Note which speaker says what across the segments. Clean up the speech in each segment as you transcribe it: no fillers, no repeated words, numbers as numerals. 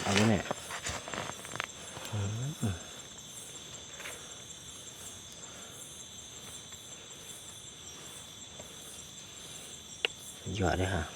Speaker 1: เอาไว้เนี่ยหยอดเลยค่ะ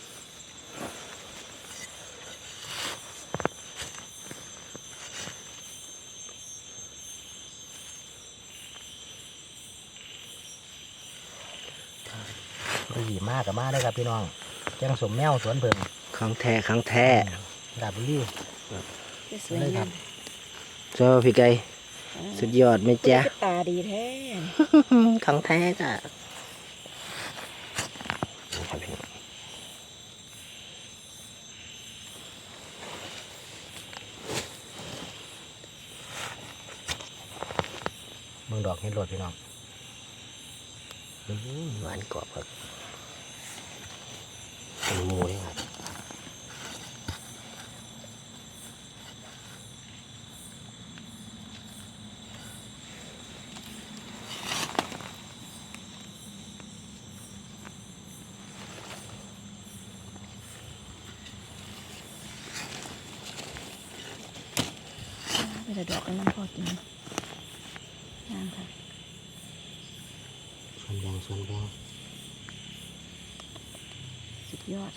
Speaker 2: ดีมากกับมาได้ครับพี่น้องแกงสมแมวสวนเพิ่ง
Speaker 1: ครั้งแท้ครั้งแท้
Speaker 2: ดาบบุรี
Speaker 3: สวยงาม
Speaker 1: เจ้าพี่ไก่สุดยอดไหมจ๊ะ
Speaker 3: ตาดีแท้
Speaker 1: ครั้งแท้จ้ะ
Speaker 2: มึงดอกเห็ดโหลดพี่น้อง
Speaker 1: หวานกรอบครับเป็นหมูเลยครับ
Speaker 3: ไม่ได้ดอกกันน้ำพอกินงามค่ะ
Speaker 1: ส่วนแบ่ง
Speaker 3: สุดยอด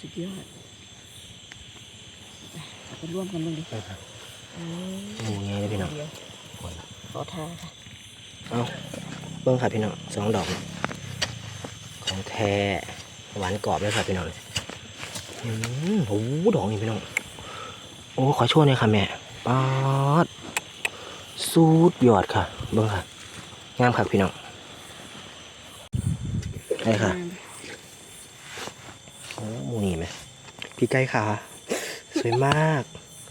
Speaker 3: เอาไปร่วมกันเลยดิ
Speaker 1: หมูไงเลยพี่น้อง
Speaker 3: ขอทาค่ะ
Speaker 1: เอาเบิ้งค่ะพี่น้อง2 ดอกของแท้หวานกรอบเลยค่ะพี่น้องโอ้ดอกนี่พี่น้องโอ้ขอโชว์หน่อยค่ะแม่ป๊าดสุดยอดค่ะเบิ้งค่ะงามค่ะพี่น้องได้ค่ะโอ้หมูนี่ไหมพี่ไก่ค่ะสวยมาก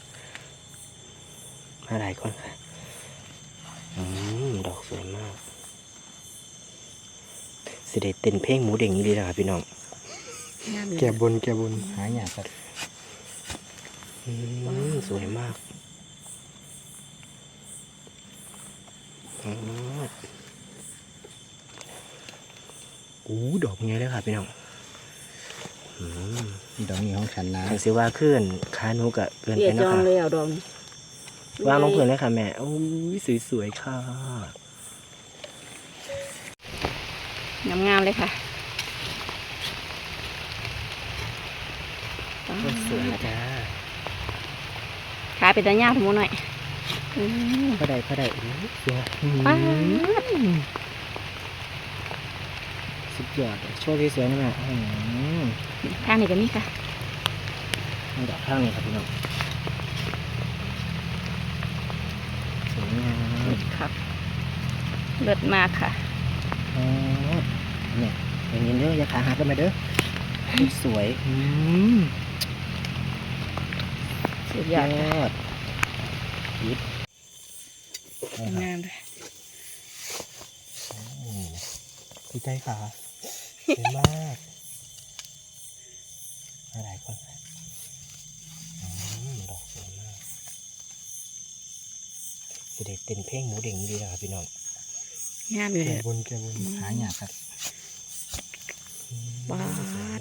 Speaker 1: มาหลายคนค่ะดอกสวยมากสิได้เต้นเพลงหมูเด้งนี้ดีนะครับพี่น้องแก่บน
Speaker 2: หายากครับ
Speaker 1: สวยมากดอกไงเลยค่ะพี่น้อง
Speaker 2: ดอกนี้ของฉันนะ
Speaker 1: ทางเสียว่าขึ้นขาหนูกะเกิน
Speaker 3: เปี
Speaker 1: ไป
Speaker 3: ย
Speaker 1: นะ
Speaker 3: จอง
Speaker 1: คะ
Speaker 3: เลยเอาดอง
Speaker 1: วางลงพื้นเลยค่ะแม่โอ้ยสวยๆค่ะ
Speaker 3: งามเลยค่ะ
Speaker 1: สวยจ้า
Speaker 3: ขาเป็นตาหญ้าทั้งหมดหน่อย
Speaker 1: พอได้สวยสุดยอดโชว์ที่สวยนี่แม่
Speaker 3: ข้างนี้ก็มีค่ะ
Speaker 1: ดอกข้างนี้ครับพี่น้องสวยงาม
Speaker 3: ครับเลิศมากค่ะ
Speaker 1: เนี่ยอย่างนี้เด้ออย่าขาหักกันไปเด้อสวย
Speaker 3: สุดยอด
Speaker 1: ยิบ
Speaker 3: งามเลย
Speaker 1: พี่ใจขาสวยมากหลายคนดอกสวยมากจะได้เต้นเพลงหมูเด้งดีนะครับพี่น้อง
Speaker 3: งามอยู่เลย
Speaker 1: แกบน
Speaker 2: หายากครับ
Speaker 3: ว้า